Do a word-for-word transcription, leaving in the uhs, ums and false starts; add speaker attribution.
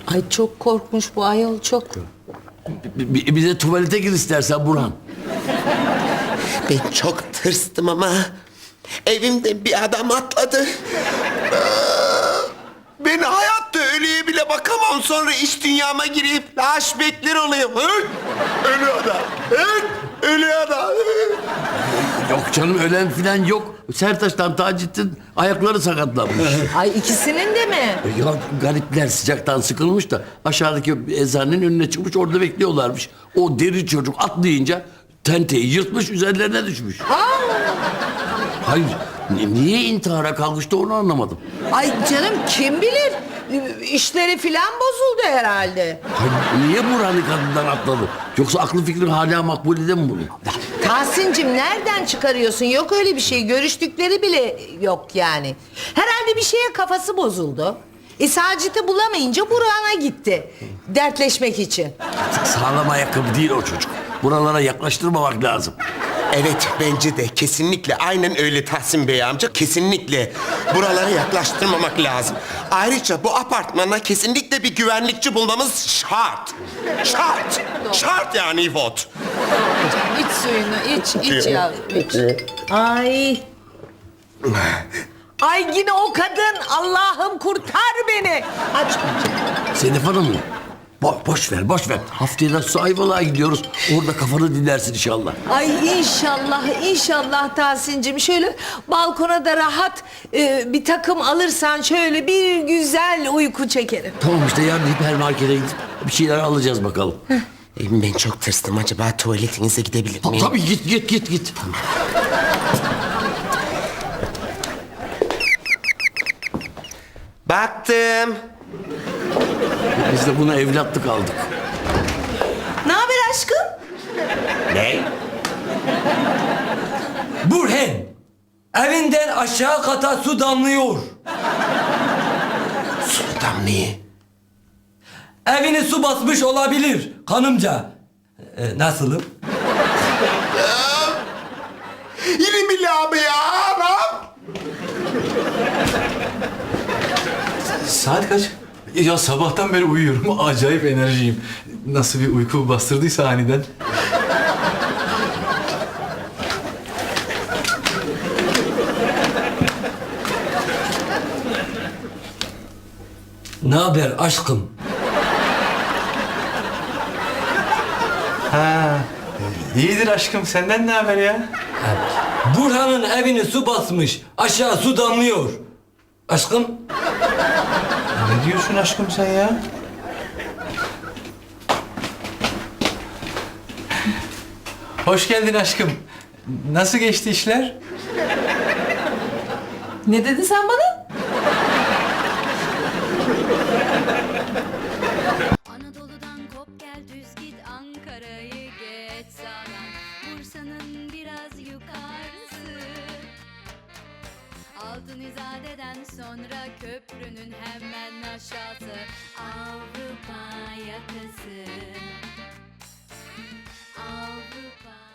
Speaker 1: Ay çok korkmuş bu ayol çok.
Speaker 2: Bir, bir de tuvalete gir istersen Burhan.
Speaker 3: Ben çok tırstım ama evimden bir adam atladı. Ben hayatta ölüye bile bakamam. Sonra iç dünyama girip flashbackler oluyor. Hı? Ölü adam. Hı? Ölü adam.
Speaker 2: Yok canım ölen filan yok. Sertaç'tan Taceddin ayakları sakatlanmış.
Speaker 1: Ay ikisinin de mi?
Speaker 2: Ya garipler sıcaktan sıkılmış da aşağıdaki eczanenin önüne çıkmış orada bekliyorlarmış. O deri çocuk atlayınca tenteyi yırtmış üzerlerine düşmüş. Hayır ni- niye intihara kalkıştı onu anlamadım.
Speaker 1: Ay canım kim bilir? İşleri filan bozuldu herhalde.
Speaker 2: Hayır, niye Burhan'ı kadından atladı? Yoksa aklı fikri hala makbulede mi bunu?
Speaker 1: Tahsin'cim nereden çıkarıyorsun? Yok öyle bir şey. Görüştükleri bile yok yani. Herhalde bir şeye kafası bozuldu. E Sacit'i bulamayınca Burhan'a gitti. Dertleşmek için.
Speaker 2: Sağlam ayakkabı değil o çocuk. Buralara yaklaştırmamak lazım.
Speaker 3: Evet bence de kesinlikle aynen öyle Tahsin Bey amca. Kesinlikle buralara yaklaştırmamak lazım. Ayrıca bu apartmana kesinlikle bir güvenlikçi bulmamız şart. Şart. Şart yani İvot.
Speaker 1: İç suyunu iç, iç ya iç. Ay. Ay yine o kadın. Allah'ım kurtar beni. Aç.
Speaker 2: Sedef Hanım mı? Bo boş ver, boş ver. Haftaya da su Ayvalık'a gidiyoruz. Orada kafanı dinlersin inşallah.
Speaker 1: Ay inşallah, inşallah Tahsin'cim. Şöyle balkona da rahat e, bir takım alırsan şöyle bir güzel uyku çekerim.
Speaker 2: Tamam işte yarın hipermarkete gidip bir şeyler alacağız bakalım.
Speaker 3: Ben çok tırstım. Acaba tuvaletinize gidebilir
Speaker 2: Ta-
Speaker 3: miyim?
Speaker 2: Tabii git, git, git, git.
Speaker 3: Baktım.
Speaker 2: Biz de buna evlatlık aldık.
Speaker 1: Ne haber aşkım?
Speaker 3: Ne?
Speaker 4: Burhan, evinden aşağı kata su damlıyor.
Speaker 3: Sultan niye?
Speaker 4: Evini su basmış olabilir kanımca. Ee, nasılım?
Speaker 3: Yine mi abi ya? Anam?
Speaker 5: Saat kaç? Ya sabahtan beri uyuyorum. Acayip enerjiyim. Nasıl bir uyku bastırdıysa aniden.
Speaker 4: Ne haber aşkım?
Speaker 5: İyidir aşkım. Senden ne haber ya?
Speaker 4: Burhan'ın evini su basmış. Aşağı su damlıyor. Aşkım?
Speaker 5: Ne diyorsun aşkım sen ya? Hoş geldin aşkım. Nasıl geçti işler?
Speaker 1: Ne dedin sen bana?
Speaker 6: Anadolu'dan kop gel düz git Ankara'yı geç sağdan Bursa'nın biraz yukarısı Altın İzade'den sonra köprünün hemen aşağısı Avrupa yakası Avrupa